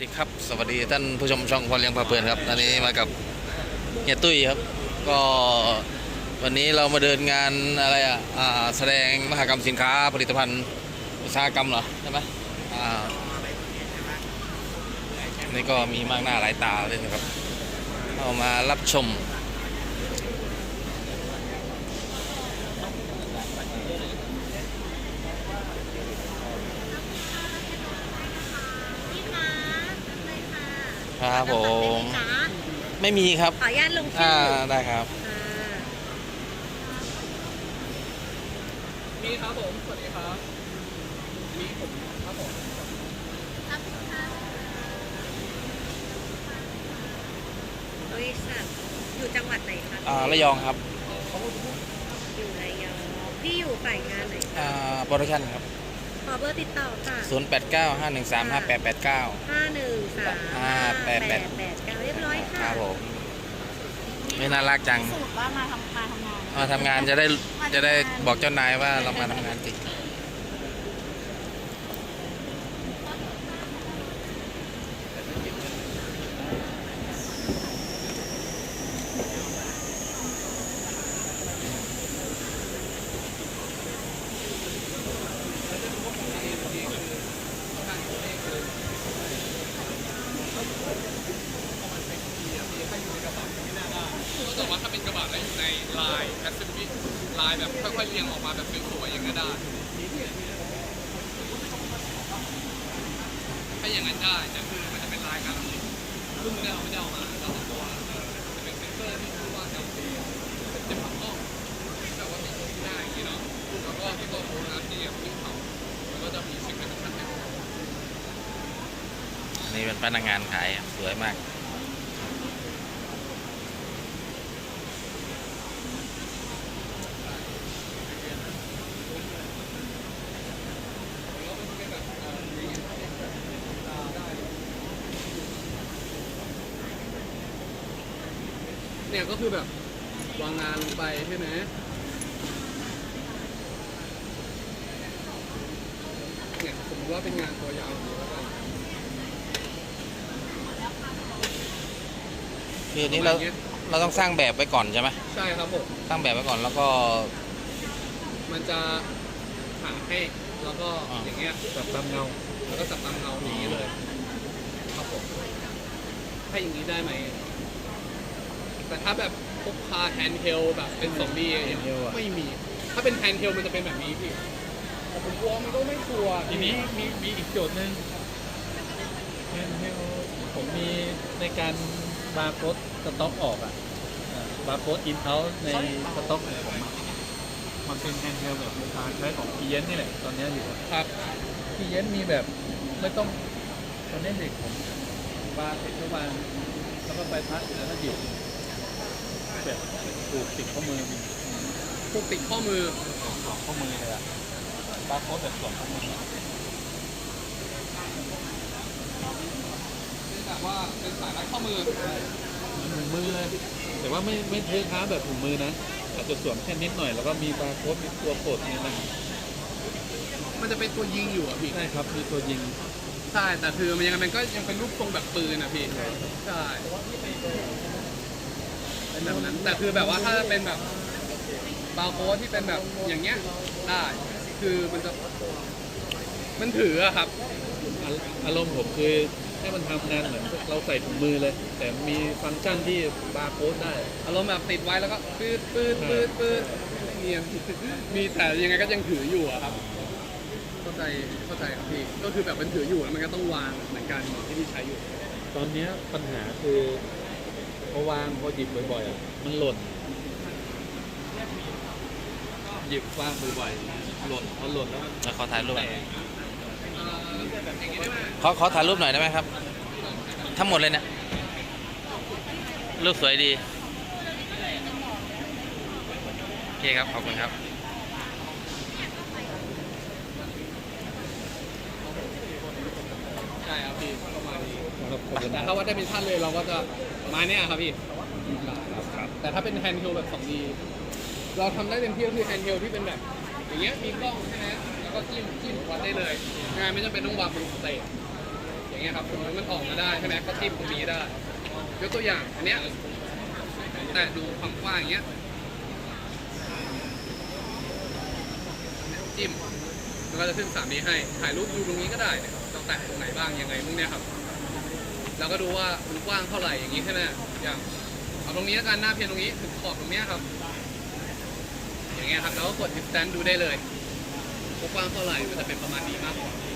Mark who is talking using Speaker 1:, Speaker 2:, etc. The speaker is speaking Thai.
Speaker 1: ดีครับสวัสดีท่านผู้ชมช่องพอเลี้ยงพาเพลินครับตอนนี้มากับเฮียตุ้ยครับก็วันนี้เรามาเดินงานอะไรแสดงมหกรรมสินค้าผลิตภัณฑ์อุตสาหกรรมเหรอใช่ไหมนี่ก็มีมากหน้าหลายตาเลยนะครับเอามารับชมครับผมไม่มีครับ
Speaker 2: ขออนุญาตลงชื่อ
Speaker 1: ได้ครับ
Speaker 3: มีครับผมสวัสดีครับมีผมครับผม
Speaker 2: ครับบริษัทอยู่จังหวัดไหนคะ
Speaker 1: ระยองครับ
Speaker 2: อยู่ระยองพี่อยู่ฝ่ายงานไหน
Speaker 1: โปรดักชั่นครับ
Speaker 2: ขอเบอร์ติดต่อค่ะ
Speaker 1: 0895135889
Speaker 2: 5135889เรียบร้อยค่ะ
Speaker 1: ครับผมไม่น่ารักจัง
Speaker 2: สรุปว่ามาทำงาน
Speaker 1: มาทำงานจะได้บอกเจ้านายว่าเรามาทำงานจริง
Speaker 3: แต่ว่าถ้าเป็นกระบะแล้วอยู่ในลายแพสซิฟิกลายแบบค่อยๆเรียงออกมาแบบสวยๆอย่างนั้นได้ถ้าอย่างนั้นได้แต่คือมันจะเป็นลายการผลิตซึ่งไม่ได้เอามาเราต้องตัวจะเป็นเซนเซอร์ที่ชื่อว่า LC เป็นผักกล้องแต่ว่ามีตัวที่ได้อย่างนี้เนาะแล้วก็ที่ตัวโฟล์ที่ที่เขาแล้วก็จะมีสิ่งที่สำคัญ
Speaker 1: นี่เป็นพนักงานขายสวยมาก
Speaker 3: เนี่ยก็คือแบบวางงานลงไปใช่ไหมเนี่ยสมมติว่าเป็นงานตัวยาวแล้วก็
Speaker 1: คือนี้เราต้องสร้างแบบไว้ก่อนใช่ไหม
Speaker 3: ใช่ครับผม
Speaker 1: สร้างแบบไว้ก่อนแล้วก็
Speaker 3: มันจะหาให้แล้วก็อย่างเงี้ยจับตามเงาแล้วก็จับตามเงาอย่างนี้เลยครับผมให้อย่างนี้ได้ไหมแต่ถ้าแบบพกพาแฮนด์เฮลแบบเป็น2Dอย่างเงี้ยไม่มีถ้าเป็นแฮนด์เฮลมันจะเป็นแบบนี้พี่แต่ผมกลัวมันก็ไม่ชัวร์
Speaker 4: ทีนี้มีอีกโจทย์หนึ่งแฮนด์เฮลผมมีในการบาร์โค้ดสต็อกออกบาร์โค้ดอินเอาท์ในสต็อกของผมมันเป็นแฮนด์เฮลแบบลูกค้าใช้ของพีเอ็นนี่แหละตอนนี้อยู่
Speaker 3: ครับ
Speaker 4: พีเอ็นมีแบบไม่ต้องตอนนี้เด็กผมบาร์เสร็จก็วางแล้วก็ไปพักแล้วก็หยิบแบบผูกติดข้อมือ
Speaker 3: ผูกติดข้อมือ
Speaker 4: ข้อมือเลยบาร์โค้ดแบบสวมข้อมือ
Speaker 3: แบบว่าเป็นสายรัดข้อมือ
Speaker 4: ถุงมือเลยแต่ว่าไม่เทค้าแบบถุงมือนะอาจจะสวมแค่นิดหน่อยแล้วก็มีบาร์โค้ดมีตัวกดนี่นะ
Speaker 3: มันจะเป็นตัวยิงอยู่อ่ะพี่
Speaker 4: ใช่ครับมีตัวยิง
Speaker 3: ใช่แต่คือมันก็ยังเป็นรูปทรงแบบปืนอ่ะพี่ใช่เป็นแบบนั้นแต่คือแบบว่าถ้าเป็นแบบบาร์โค้ดที่เป็นแบบอย่างเงี้ยได้คือมันถืออะครับ
Speaker 4: อารมณ์ผมคือให้มันทำงานเหมือนเราใส่ถุงมือเลยแต่มีฟังก์ชันที่บาร์โค้ดได้
Speaker 3: อารมณ์แบบติดไว้แล้วก็ปืดเนี่ยมีแต่ยังไงก็ยังถืออยู่อะครับเข้าใจครับพี่ก็คือแบบมันถืออยู่แล้วมันก็ต้องวางเหมือนกันที่พี่ใช้อยู่
Speaker 4: ตอนนี้ปัญหาคือพอวางพอหยิบบ่อยๆมันหล่นหยิบวางบ่อยๆหล่นพอหล่นแล้ว
Speaker 1: ขอถ่ายรูปขอถ่ายรูปหน่อยได้ไหมครับทั้งหมดเลยเนี่ยรูปสวยดีโอเคครับขอบคุณครับ
Speaker 3: ใช่ครับพี่ประมาณนี้แต่ถ้าว่าได้เป็นท่านเลยเราก็จะมาเนี่ยครับพี่แต่ถ้าเป็นแฮนด์เฮลแบบ 2D เราทำได้เต็มที่ก็คือแฮนด์เฮลที่เป็นแบบอย่างเงี้ยมีกล้องใช่ไหมแล้วก็จิ้มวัดได้เลยงานไม่จำเป็นต้องวางบนสเตจอย่างเงี้ยเงี้ยครับสมมติมันออกมาได้ใช่ไหมก็จิ้มตรงนี้ได้ยกตัวอย่างอันเนี้ยแต่ดูความกว้างอย่างเงี้ยจิ้มมันก็จะขึ้น 3D ให้ถ่ายรูปดูตรงนี้ก็ได้เนี่ยเราแตะตรงไหนบ้างยังไงพวกเนี้ยครับเราก็ดูว่ามันกว้างเท่าไหร่อย่างนี้ใช่ไหมอย่างเอาตรงนี้แล้วกันหน้าเพียงตรงนี้ถึงขอบตรงเนี้ยครับอย่างเงี้ยครับแล้วก็กด distance ดูได้เลยว่ากว้างเท่าไหร่มันจะเป็นประมาณนี้มากกว่า